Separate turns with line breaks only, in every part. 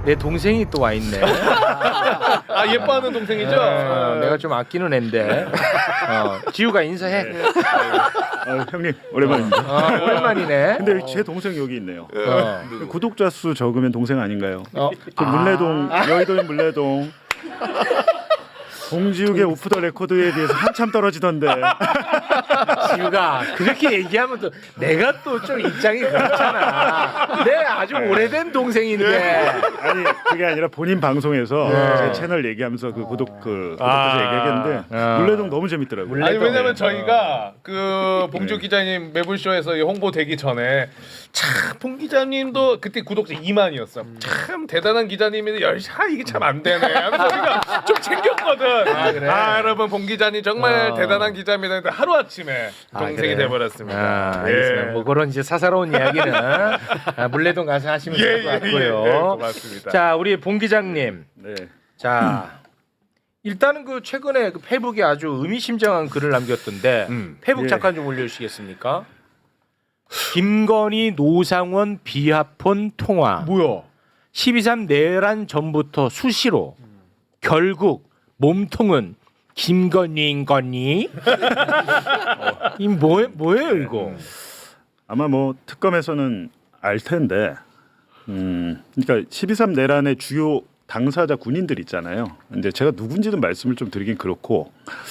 내 동생이 또 와 있네.
아 예뻐하는 동생이죠?
내가 좀 아끼는 앤데. 지우가 인사해.
네. 형님 오랜만입니다.
오랜만이네.
근데 제 동생 여기 있네요.
어.
구독자 수 적으면 동생 아닌가요?
어.
그 물레동 여의도 물레동 봉지욱의 오프 더 레코드에 비해서 한참 떨어지던데.
지우가 그렇게 얘기하면 또 내가 또 좀 입장이 그렇잖아. 내 아주 오래된 동생인데.
아니 그게 아니라 본인 방송에서 제 채널 얘기하면서 그 구독자 얘기했는데 물레동 너무 재밌더라고요.
아니 왜냐면 저희가 그 봉주 기자님 매불쇼에서 홍보되기 전에 참 봉 기자님도 그때 구독자 2만이었어. 참 대단한 기자님인데 이게 참 안 되네. 하면서 우리가 좀 챙겼거든.
그래?
여러분 봉 기자님 정말 대단한 기자입니다. 근데 하루 아침에 동생이
그래?
돼버렸습니다.
알겠습니다. 뭐 그런 이제 사사로운 이야기는 물레동 가서 하시면 될 것 같고요.
고맙습니다.
자, 우리 봉 기자님.
네.
자, 일단은 그 최근에 그 페이북에 아주 의미심장한 글을 남겼던데 페이북
예.
잠깐 좀 올려주시겠습니까? 김건희 노상원 비하폰 통화.
뭐야?
12.3 내란 전부터 수시로 결국 몸통은 김건희인 거니? 이 뭐예요 이거?
아마 뭐 특검에서는 알 텐데, 그러니까 12.3 내란의 주요 당사자 군인들 있잖아요. 근데 제가 누군지는 말씀을 좀 드리긴 그렇고,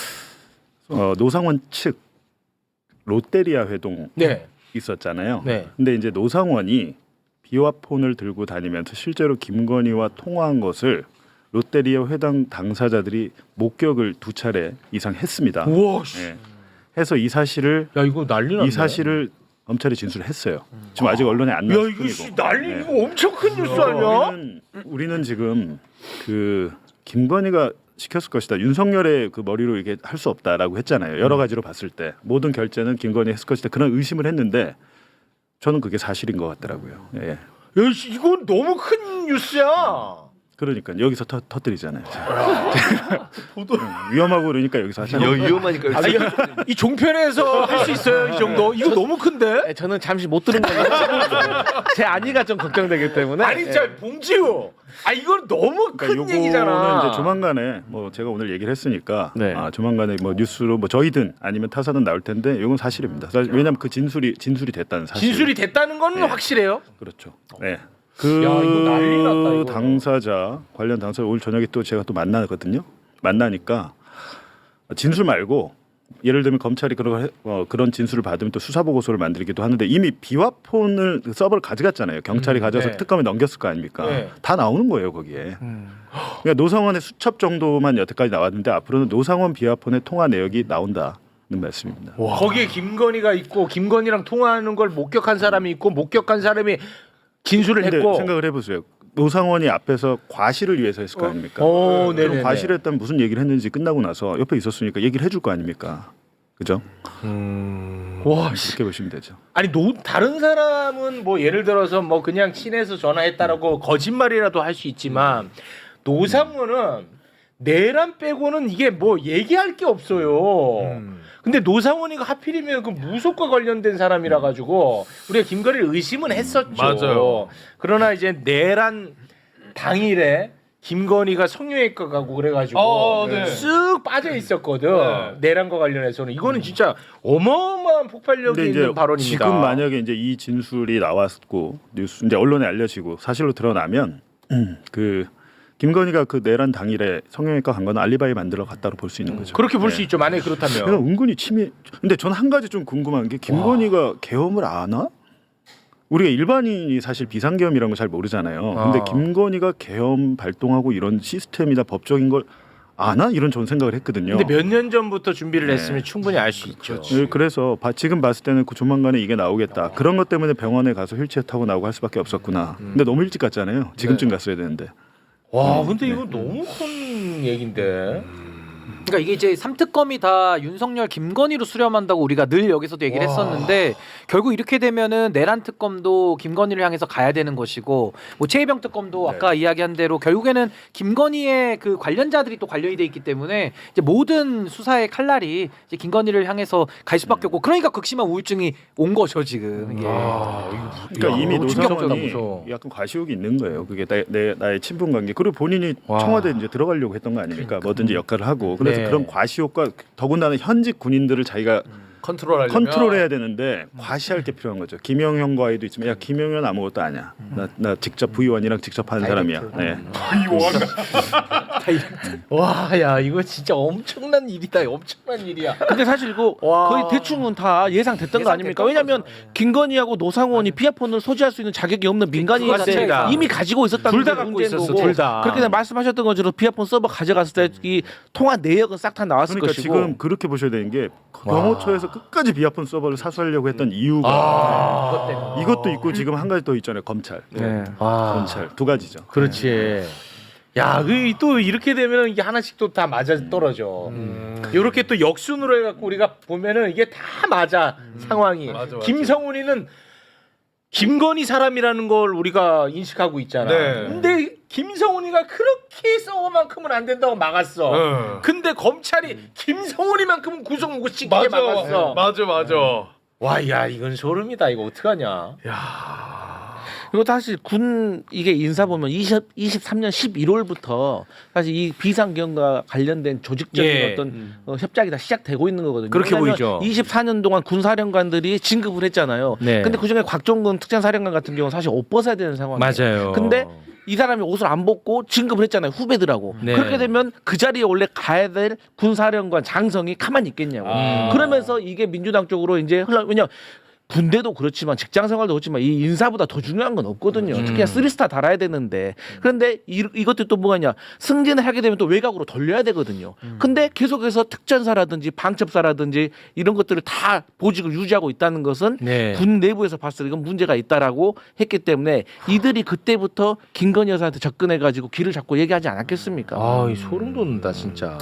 노상원 측 롯데리아 회동
네.
있었잖아요.
네.
근데 이제 노상원이 비화폰을 들고 다니면서 실제로 김건희와 통화한 것을 롯데리아 회당 당사자들이 목격을 2차례 이상 했습니다.
우와.
예. 해서 이 사실을
야 이거 난리 났네.
이 사실을 검찰에 진술했어요. 지금 아직 언론에 안
야
나왔을
이거
뿐이고.
씨, 난리
네.
이거 엄청 큰 뉴스 아니야?
우리는 지금 그 김건희가 시켰을 것이다. 윤석열의 그 머리로 이게 할 수 없다라고 했잖아요. 여러 가지로 봤을 때 모든 결제는 김건희 했을 것이다. 그런 의심을 했는데 저는 그게 사실인 것 같더라고요. 예.
야 씨, 이건 너무 큰 뉴스야.
그러니까 여기서 터뜨리잖아요. 위험하고 그러니까 여기서 하잖아요.
위험하니까
이 종편에서 할 수 있어요 이 정도? 이거 너무 큰데?
저는 잠시 못 들은 거예요. 제 안위가 좀 걱정되기 때문에.
아니 진짜 봉지우. 아 이건 너무 큰
그러니까
얘기잖아.
요거는 이제 조만간에 뭐 제가 오늘 얘기를 했으니까
네.
조만간에 뭐 뉴스로 뭐 저희든 아니면 타사든 나올 텐데 이건 사실입니다. 왜냐하면 그 진술이 됐다는 사실.
진술이 됐다는 건
네.
확실해요.
그렇죠. 네.
이거 난리 났다, 이거.
당사자 관련 당사자 오늘 저녁에 또 제가 또 만나거든요. 만나니까 진술 말고 예를 들면 검찰이 그런 진술을 받으면 또 수사 보고서를 만들기도 하는데 이미 비화폰을 서버를 가져갔잖아요. 경찰이 가져서
네.
특검에 넘겼을 거 아닙니까?
네.
다 나오는 거예요 거기에. 그러니까 노상원의 수첩 정도만 여태까지 나왔는데 앞으로는 노상원 비화폰의 통화 내역이 나온다는 말씀입니다.
거기에 김건희가 있고 김건희랑 통화하는 걸 목격한 사람이 있고 목격한 사람이 진술을
근데
했고.
생각을 해보세요. 노상원이 앞에서 과실을 위해서 했을 거 아닙니까?
오,
그럼
네네네.
과실을 했다면 무슨 얘기를 했는지 끝나고 나서 옆에 있었으니까 얘기를 해줄 거 아닙니까? 그죠?
와, 씨.
이렇게 보시면 되죠.
아니 다른 사람은 뭐 예를 들어서 뭐 그냥 친해서 전화했다라고 거짓말이라도 할 수 있지만 노상원은 내란 빼고는 이게 뭐 얘기할 게 없어요. 근데 노상원이가 하필이면 그 무속과 관련된 사람이라 가지고 우리가 김건희를 의심은 했었죠.
맞아요.
그러나 이제 내란 당일에 김건희가 성형외과 가고 그래가지고
네.
쓱 빠져 있었거든.
네.
내란과 관련해서는 이거는 진짜 어마어마한 폭발력이
근데
있는
이제
발언입니다.
지금 만약에 이제 이 진술이 나왔고 뉴스 이제 언론에 알려지고 사실로 드러나면 그 김건희가 그 내란 당일에 성형외과 간 건 알리바이 만들어 갔다고 볼 수 있는 거죠.
그렇게 볼 수
네.
있죠. 만약에 그렇다면.
그냥 은근히 침해. 근데 저는 한 가지 좀 궁금한 게 김건희가 계엄을 아나? 우리가 일반인이 사실 비상계엄이라는 걸 잘 모르잖아요. 근데 김건희가 계엄 발동하고 이런 시스템이나 법적인 걸 아나? 이런 저는 생각을 했거든요.
근데 몇 년 전부터 준비를
네.
했으면 충분히 알 수 있죠.
네, 그래서 지금 봤을 때는 그 조만간에 이게 나오겠다. 그런 것 때문에 병원에 가서 휠체어 타고 나오고 할 수밖에 없었구나. 근데 너무 일찍 갔잖아요. 지금쯤 갔어야 되는데.
와, 근데 이거 너무 큰 얘긴데.
그러니까 이게 이제 3특검이 다 윤석열, 김건희로 수렴한다고 우리가 늘 여기서도 얘기를 했었는데 결국 이렇게 되면은 내란 특검도 김건희를 향해서 가야 되는 것이고 뭐 최혜병 특검도 아까 이야기한 대로 결국에는 김건희의 그 관련자들이 또 관련이 돼 있기 때문에 이제 모든 수사의 칼날이 이제 김건희를 향해서 갈 수밖에 없고 그러니까 극심한 우울증이 온 거죠 지금. 예.
그러니까 이미
충격적이다,
노상원이
무서워.
약간 과시욕이 있는 거예요. 그게 나의 친분 관계. 그리고 본인이 청와대 이제 들어가려고 했던 거 아닙니까? 뭐든지 역할을 하고. 그래서
네.
그런 과시욕과 더군다나 현직 군인들을 자기가 컨트롤해야 되는데 과시할 게 필요한 거죠. 김영현과의도 있지만 야 김영현 아무것도 아니야. 나 직접 부의원이랑 직접 하는 사람이야. 네.
와, 야 이거 진짜 엄청난 일이다. 엄청난 일이야.
근데 사실 이거
와.
거의 대충은 다 예상됐던 거 아닙니까? 왜냐하면 김건희하고 노상원이 비아폰을 소지할 수 있는 자격이 없는 민간인인데
맞습니다.
이미 가지고 있었다는
둘 다
게
갖고
문제인
있었어,
거고.
둘 다.
그렇게 말씀하셨던 것처럼 비아폰 서버 가져갔을 때 이 통화 내역은 싹 다 나왔을
그러니까
것이고.
지금 그렇게 보셔야 되는 게 경호처에서 끝까지 비아폰 서버를 사수하려고 했던 이유가 이것도 있고 지금 한 가지 더 있잖아요. 검찰.
네.
검찰 두 가지죠.
그렇지. 야, 또 이렇게 되면 이게 하나씩 또 다 맞아 떨어져. 이렇게 또 역순으로 해갖고 우리가 보면은 이게 다 맞아 상황이.
맞아.
김성훈이는 김건희 사람이라는 걸 우리가 인식하고 있잖아.
네.
근데 김성훈이가 그렇게 썩어만큼은 안 된다고 막았어. 근데 검찰이 김성훈이만큼은 구속 못 시키게 막았어.
맞아.
와, 야 이건 소름이다. 이거 어떡하냐.
그리고 사실 군 이게 인사 보면 23년 11월부터 사실 이 비상경과 관련된 조직적인
예.
어떤 협작이 다 시작되고 있는 거거든요.
그렇게
왜냐하면
보이죠.
24년 동안 군사령관들이 진급을 했잖아요.
네.
근데 그중에 곽종근 특전사령관 같은 경우는 사실 옷 벗어야 되는 상황이에요.
맞아요.
근데 이 사람이 옷을 안 벗고 진급을 했잖아요. 후배들하고.
네.
그렇게 되면 그 자리에 원래 가야 될 군사령관 장성이 가만히 있겠냐고. 그러면서 이게 민주당 쪽으로 이제 왜냐 군대도 그렇지만 직장 생활도 그렇지만 이 인사보다 더 중요한 건 없거든요. 특히 3스타 달아야 되는데. 그런데 이것도 또 뭐가냐. 승진을 하게 되면 또 외곽으로 돌려야 되거든요. 근데 계속해서 특전사라든지 방첩사라든지 이런 것들을 다 보직을 유지하고 있다는 것은
네.
군 내부에서 봤을 때 이건 문제가 있다라고 했기 때문에 이들이 그때부터 김건희 여사한테 접근해가지고 길을 잡고 얘기하지 않았겠습니까?
아, 소름 돋는다 진짜.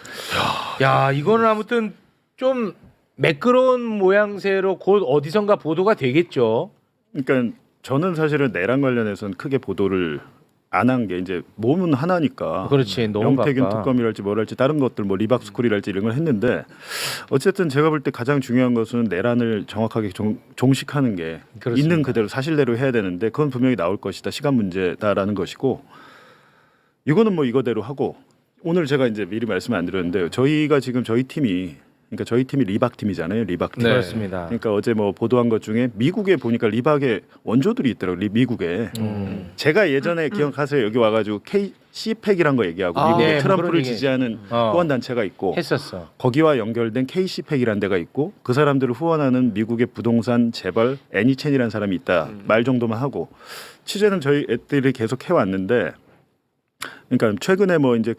야, 이거는 아무튼 좀 매끄러운 모양새로 곧 어디선가 보도가 되겠죠.
그러니까 저는 사실은 내란 관련해서는 크게 보도를 안 한 게 이제 몸은 하나니까.
그렇지, 너무
영태균
바빠.
특검이랄지 뭐랄지 다른 것들 뭐 리박스쿨이랄지 이런 걸 했는데 어쨌든 제가 볼 때 가장 중요한 것은 내란을 정확하게 종식하는 게
그렇습니다.
있는 그대로 사실대로 해야 되는데 그건 분명히 나올 것이다. 시간 문제다라는 것이고 이거는 뭐 이거대로 하고 오늘 제가 이제 미리 말씀 안 드렸는데 저희가 지금 저희 팀이 리박 팀이잖아요. 리박 팀.
네.
그렇습니다.
그러니까 어제 뭐 보도한 것 중에 미국에 보니까 리박의 원조들이 있더라고요. 미국에. 제가 예전에 기억하세요. 여기 와가지고 KC팩이란 거 얘기하고
아,
미국에
네, 뭐
트럼프를
그런 얘기.
지지하는 후원 단체가 있고
했었어.
거기와 연결된 KC팩이라는 데가 있고 그 사람들을 후원하는 미국의 부동산 재벌 애니첸이라는 사람이 있다. 말 정도만 하고 취재는 저희 애들이 계속 해왔는데 그러니까 최근에 뭐 이제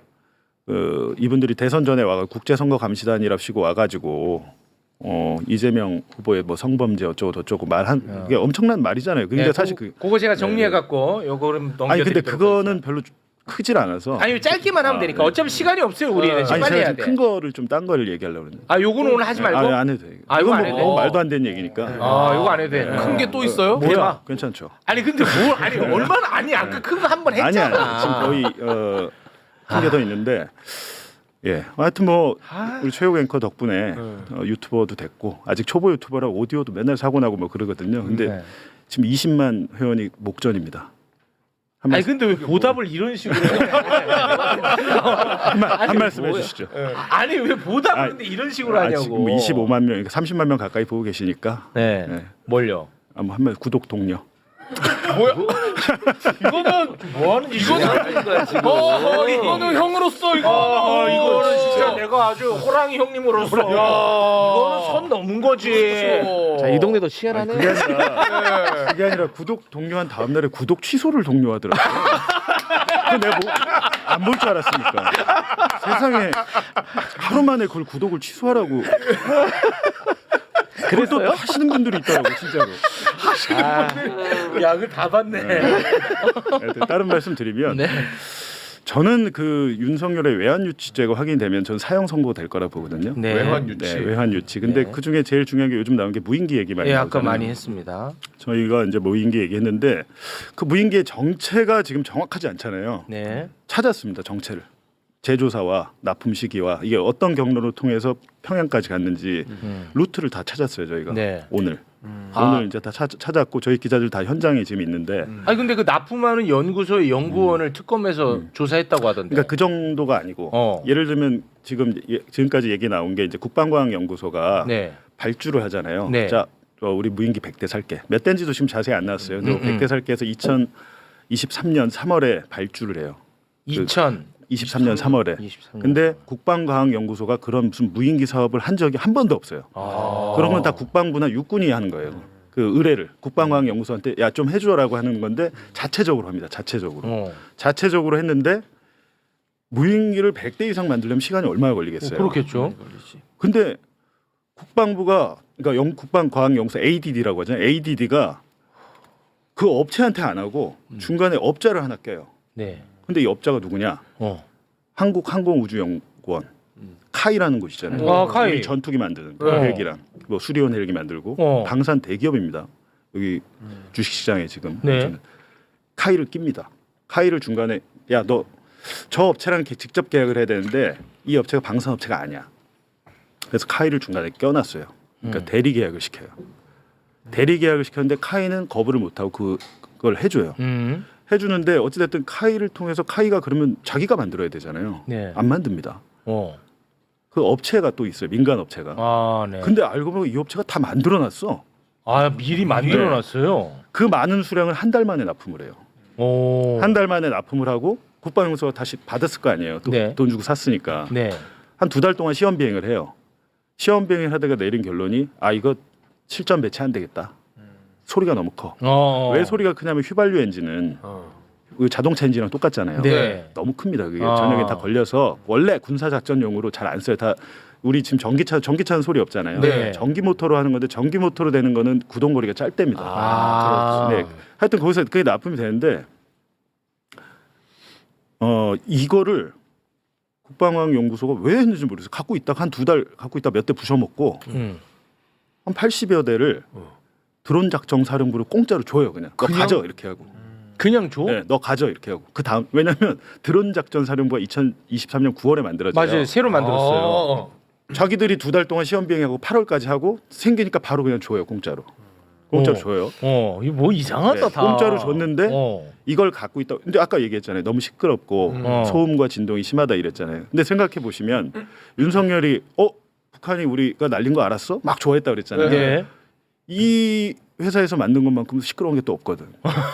이분들이 대선 전에 와가 국제선거감시단이랍시고 와가지고 이재명 후보의 뭐 성범죄 어쩌고 저쩌고 말한 이게 엄청난 말이잖아요. 근데
네,
사실
그거 제가 정리해 갖고 요거를 넘겨.
아니 근데 그거는 별로 크질 않아서
아니 짧게만 하면 되니까 어차피 시간이 없어요 우리는.
아니
빨리
제가
해야
지금
돼.
큰 거를 좀 딴 거를 얘기하려고 그러는데
아 요거는 오늘 하지 말고.
안 해도 돼.
아, 이거 안
이건
해도
뭐
돼?
말도 안 되는 얘기니까.
아 요거 안 해도 돼.
큰 게 또 있어요?
뭐야?
괜찮죠.
아니 근데 뭐 아니 얼마나 아니 아까 큰 거 한 번 했잖아.
아니야 지금 거의 한 개 더 있는데 예 하여튼 뭐 우리 최욱 앵커 덕분에 유튜버도 됐고 아직 초보 유튜버라 오디오도 맨날 사고 나고 뭐 그러거든요. 근데
네.
지금 20만 회원이 목전입니다. 한
아니
말씀,
근데 왜 보답을 이런 식으로 해?
한 말씀
뭐야?
해주시죠.
아니 왜 보답을
아니,
근데 이런 식으로 하냐고.
지금 25만 명, 그러니까 30만 명 가까이 보고 계시니까
네.
네.
뭘요?
한번 한 말 구독 동료.
뭐야? 이거는
뭐 하는 짓이야?
이거는 형으로서 이거
이거는 진짜 내가 아주 호랑이 형님으로서 이거는 선 넘은 거지.
자, 이 동네도 치열하네.
그게 아니라 구독 동료한 다음 날에 구독 취소를 독려하더라고요. 내가 뭐 안 볼 줄 알았으니까. 세상에 하루 만에 그걸 구독을 취소하라고. 그걸 또 하시는 분들이 있더라고 진짜로.
야, 그거 다 봤네.
다른 말씀 드리면 저는 그 윤석열의 외환 유치죄가 확인되면 전 사형 선고 될 거라 보거든요.
네.
외환 유치.
네, 외환 유치. 근데
네.
그 중에 제일 중요한 게 요즘 나온 게 무인기 얘기 많이
예,
나오잖아요.
아까 많이 했습니다.
저희가 이제 무인기 얘기했는데 그 무인기의 정체가 지금 정확하지 않잖아요.
네.
찾았습니다. 정체를. 제조사와 납품 시기와 이게 어떤 경로를 통해서 평양까지 갔는지 루트를 다 찾았어요. 저희가
네.
오늘
아.
오늘 이제 다 찾았고 저희 기자들 다 현장에 지금 있는데
아니 근데 그 납품하는 연구소의 연구원을 특검에서 조사했다고 하던데.
그러니까 그 정도가 아니고 예를 들면 지금까지 얘기 나온 게 이제 국방과학연구소가
네.
발주를 하잖아요.
네.
자, 우리 무인기 100대 살게. 몇 대인지도 지금 자세히 안 나왔어요. 근데 100대 살게 해서 2023년 3월에 발주를 해요. 23년 3월에.
23년.
근데 국방과학연구소가 그런 무슨 무인기 사업을 한 적이 한 번도 없어요.
아.
그런 건 다 국방부나 육군이 하는 거예요. 그 의뢰를 국방과학연구소한테 야 좀 해줘라고 하는 건데 자체적으로 합니다. 자체적으로. 자체적으로 했는데 무인기를 100대 이상 만들려면 시간이 얼마나 걸리겠어요.
그렇겠죠.
근데 국방부가 그러니까 국방과학연구소 ADD라고 하잖아요. ADD가 그 업체한테 안 하고 중간에 업자를 하나 껴요.
네.
근데 이 업자가 누구냐? 한국항공우주연구원 카이라는 곳이잖아요.
아, 카이.
우리 전투기 만드는 헬기랑 뭐 수리온 헬기 만들고 방산 대기업입니다. 여기 주식시장에 지금
네.
카이를 낍니다. 카이를 중간에 야 너 저 업체랑 직접 계약을 해야 되는데 이 업체가 방산업체가 아니야. 그래서 카이를 중간에 껴놨어요. 그러니까 대리 계약을 시켜요. 대리 계약을 시켰는데 카이는 거부를 못하고 그걸 해줘요. 해주는데 어찌됐든 카이를 통해서 카이가 그러면 자기가 만들어야 되잖아요.
네.
안 만듭니다. 그 업체가 또 있어요. 민간 업체가.
아, 네.
근데 알고 보면 이 업체가 다 만들어놨어.
아, 미리 만들어 놨어요.
그 많은 수량을 한 달 만에 납품을 해요. 한 달 만에 납품을 하고 국방연구소가 다시 받았을 거 아니에요. 또
네.
돈 주고 샀으니까.
네.
한 2달 동안 시험 비행을 해요. 시험 비행을 하다가 내린 결론이 아 이거 실전 배치 안 되겠다. 소리가 너무 커. 왜 소리가 크냐면 휘발유 엔진은 그 자동차 엔진이랑 똑같잖아요.
네.
너무 큽니다. 그게 전역에 다 걸려서 원래 군사 작전용으로 잘 안 써요. 다 우리 지금 전기차는 소리 없잖아요.
네.
전기 모터로 하는 건데 전기 모터로 되는 거는 구동거리가 짧답니다.
아,
네. 하여튼 거기서 그게 납품이 되는데 이거를 국방과학연구소가 왜 했는지 모르겠어요. 갖고 있다가 한 2달 갖고 있다 몇 대 부셔먹고 한 80여 대를 드론 작전 사령부를 공짜로 줘요. 그냥 너 가져 이렇게 하고.
그냥 줘?
네, 너 가져 이렇게 하고. 그 다음 왜냐하면 드론 작전 사령부가 2023년 9월에 만들어져요.
맞아요. 새로 만들었어요.
자기들이 2달 동안 시험 비행하고 8월까지 하고 생기니까 바로 그냥 줘요. 공짜로 줘요.
이거 뭐 이상하다
네,
다.
공짜로 줬는데 이걸 갖고 있다. 근데 아까 얘기했잖아요. 너무 시끄럽고 소음과 진동이 심하다 이랬잖아요. 근데 생각해 보시면 윤석열이 북한이 우리가 날린 거 알았어? 막 좋아했다 그랬잖아요.
네.
이 회사에서 만든 것만큼 시끄러운 게 또 없거든.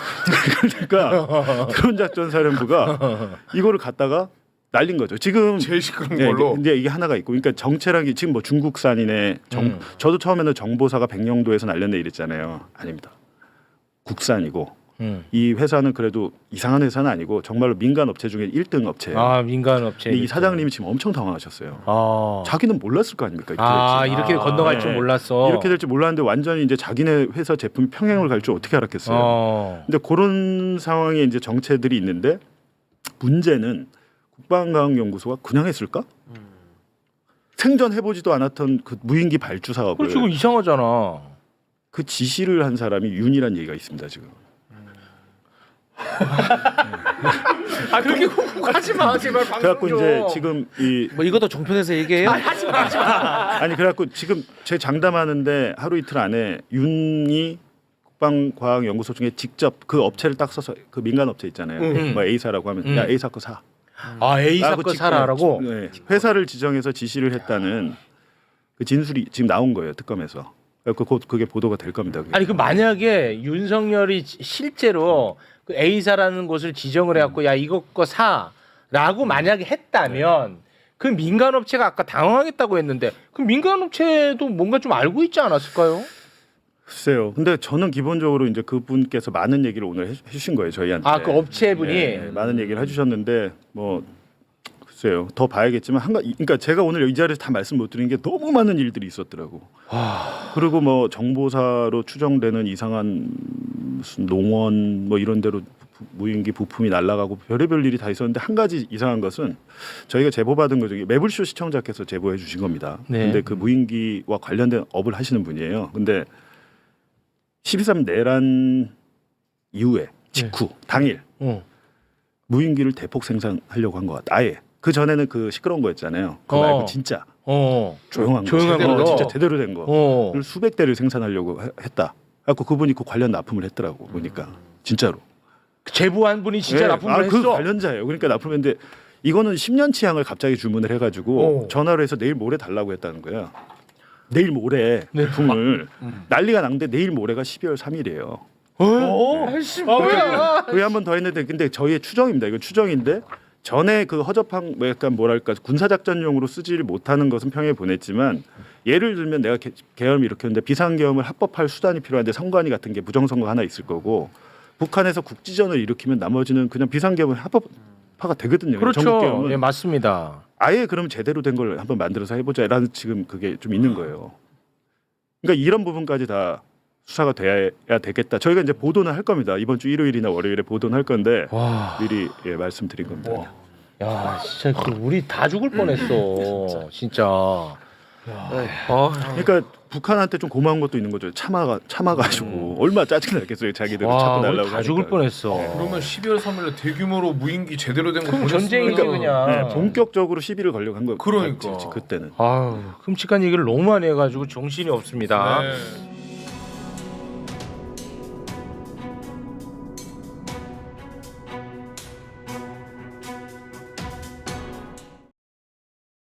그러니까 드론 작전 사령부가 이거를 갖다가 날린 거죠. 지금
제일 시끄러운
네,
걸로.
근데 이게 하나가 있고, 그러니까 정체란 게 지금 뭐 중국산이네. 저도 처음에는 정보사가 백령도에서 날렸네 이랬잖아요. 아닙니다. 국산이고 이 회사는 그래도 이상한 회사는 아니고 정말로 민간 업체 중에 1등 업체예요.
아, 민간 업체.
근데 이 사장님이 지금 엄청 당황하셨어요.
아,
자기는 몰랐을 거 아닙니까?
이렇게 건너갈 줄
네.
몰랐어.
이렇게 될지 몰랐는데 완전히 이제 자기네 회사 제품이 평행을 갈 줄 어떻게 알았겠어요. 근데 그런 상황에 이제 정체들이 있는데 문제는 국방과학연구소가 그냥 했을까? 생전 해보지도 않았던 그 무인기 발주 사업을
그렇지, 이거 이상하잖아.
그 지시를 한 사람이 윤이란 얘기가 있습니다 지금.
아, 그렇게 하지 마, 제발 방송
그래갖고
좀.
이제 지금
뭐 이것도 종편에서 얘기해요?
아니 그래갖고 지금 제 장담하는데 하루 이틀 안에 윤이 국방과학연구소 중에 직접 그 업체를 딱 써서 그 민간 업체 있잖아요. 뭐 A사라고 하면 야 A사 거 사.
아, A사
라고
거 사라라고?
네, 회사를 지정해서 지시를 했다는 그 진술이 지금 나온 거예요 특검에서. 곧 그게 보도가 될 겁니다. 그게.
아니, 그 만약에 윤석열이 실제로 그 A사라는 곳을 지정을 해갖고 야, 이거 거 사라고 만약에 했다면 그 민간업체가 아까 당황하겠다고 했는데 그 민간업체도 뭔가 좀 알고 있지 않았을까요?
글쎄요. 근데 저는 기본적으로 이제 그분께서 많은 얘기를 오늘 해주신 거예요 저희한테.
아, 그 업체분이?
네, 많은 얘기를 해주셨는데 뭐 글쎄요. 더 봐야겠지만 그러니까 제가 오늘 이 자리에서 다 말씀 못 드린 게 너무 많은 일들이 있었더라고. 그리고 뭐 정보사로 추정되는 이상한 무슨 농원 뭐 이런 데로 무인기 부품이 날아가고 별의별 일이 다 있었는데 한 가지 이상한 것은 저희가 제보받은 거 중에 매불쇼 시청자께서 제보해 주신 겁니다.
네.
근데 그 무인기와 관련된 업을 하시는 분이에요. 근데 12.3 내란 이후에 직후 당일 무인기를 대폭 생산하려고 한 것 같아. 아예 그 전에는 그 시끄러운 거였잖아요. 그거 말고 진짜 조용한 거,
조용한
제대로,
거.
진짜 제대로 된 거. 를 수백 대를 생산하려고 했다. 그래서 그분이 그 관련 납품을 했더라고 보니까 진짜로.
제보한 분이 진짜 납품을 했어.
그 관련자예요. 그러니까 납품했는데 이거는 10년치 양을 갑자기 주문을 해가지고 전화를 해서 내일 모레 달라고 했다는 거야. 내일 모레 납품을 난리가 났는데 내일 모레가 12월 3일이에요.
아이씨 뭐야?
그게 한 번 더 했는데 근데 저희의 추정입니다. 이건 추정인데 전에 그 허접한 뭐 약간 뭐랄까 군사작전용으로 쓰지를 못하는 것은 평에 보냈지만 예를 들면 내가 계엄을 일으켰는데 비상계엄을 합법할 수단이 필요한데 선관위 같은 게 부정선거 하나 있을 거고 북한에서 국지전을 일으키면 나머지는 그냥 비상계엄을 합법화가 되거든요.
그렇죠.
전국계엄은
예, 맞습니다.
아예 그럼 제대로 된 걸 한번 만들어서 해보자라는 지금 그게 좀 있는 거예요. 그러니까 이런 부분까지 다 수사가 돼야 되겠다. 저희가 이제 보도는 할 겁니다. 이번 주 일요일이나 월요일에 보도는 할 건데 미리 말씀드린 겁니다.
야, 진짜 그 우리 다 죽을 뻔했어. 진짜.
그러니까 북한한테 좀 고마운 것도 있는 거죠. 참아가지고 얼마나 짜증나겠어요. 자기들
와,
찾고
우리
날라고
다 죽을
하니까.
뻔했어.
그러면 12월 3일에 대규모로 무인기 제대로 된 거
그럼
보냈으면
전쟁이지 그냥.
네, 본격적으로 시비를 걸려고 한 거예요.
그러니까.
그때는.
아유, 끔찍한 얘기를 너무 많이 해가지고 정신이 없습니다.
네.